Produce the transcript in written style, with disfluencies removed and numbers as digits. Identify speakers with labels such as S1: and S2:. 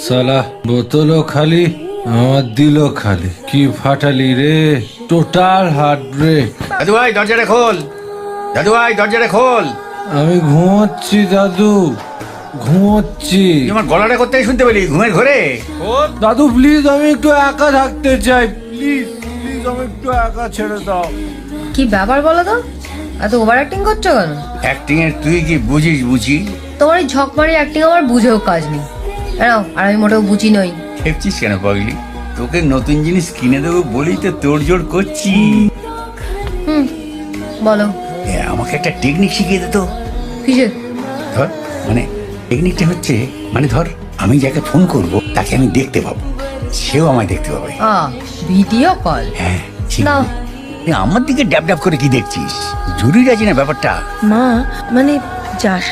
S1: সালা বোতলও খালি, আমার দিলও খালি। কি ফাটালি রে, টোটাল হার্ট ব্রেক।
S2: দাদু ভাই দরজাটা খোল, দাদু ভাই দরজাটা খোল।
S1: আমি ঘুমোচ্ছি দাদু, ঘুমোচ্ছি।
S2: তুই আমার গলাটা কোথায় শুনতে পেলি? ঘুমের ঘরে?
S1: দাদু প্লিজ, আমি একটু একা থাকতে চাই, প্লিজ প্লিজ, আমি একটু একা ছেড়ে দাও।
S3: কি ব্যাপার বলো তো, এত ওভার অ্যাক্টিং করছো কেন?
S2: অ্যাক্টিং এর তুই কি বুঝিস? বুঝি
S3: তোমার এই ঝকমারি অ্যাক্টিং আমার বুঝেও কাজ নেই। এরাও, আর আমি মোটেও বুঝি নই।
S2: খেপছিস কেন পাগলি? তোকে নতুন জিনিস কিনে দেবো বলি তো তোড়জোড় করছি।
S3: বলো।
S2: আমাকে একটা টেকনিক শিখিয়ে দে তো।
S3: কিসের?
S2: ধর, মানে টেকনিকটা হচ্ছে, মানে ধর আমি যাকে ফোন করব তাকে আমি দেখতে পাবো, সেও আমায় দেখতে পাবে।
S3: Video call?
S2: হ্যাঁ ঠিক।
S3: নাও।
S2: আমার দিকে ড্যাব ড্যাব করে কি দেখছিস? জরুরি আছে না ব্যাপারটা?
S4: মা, মানে যাস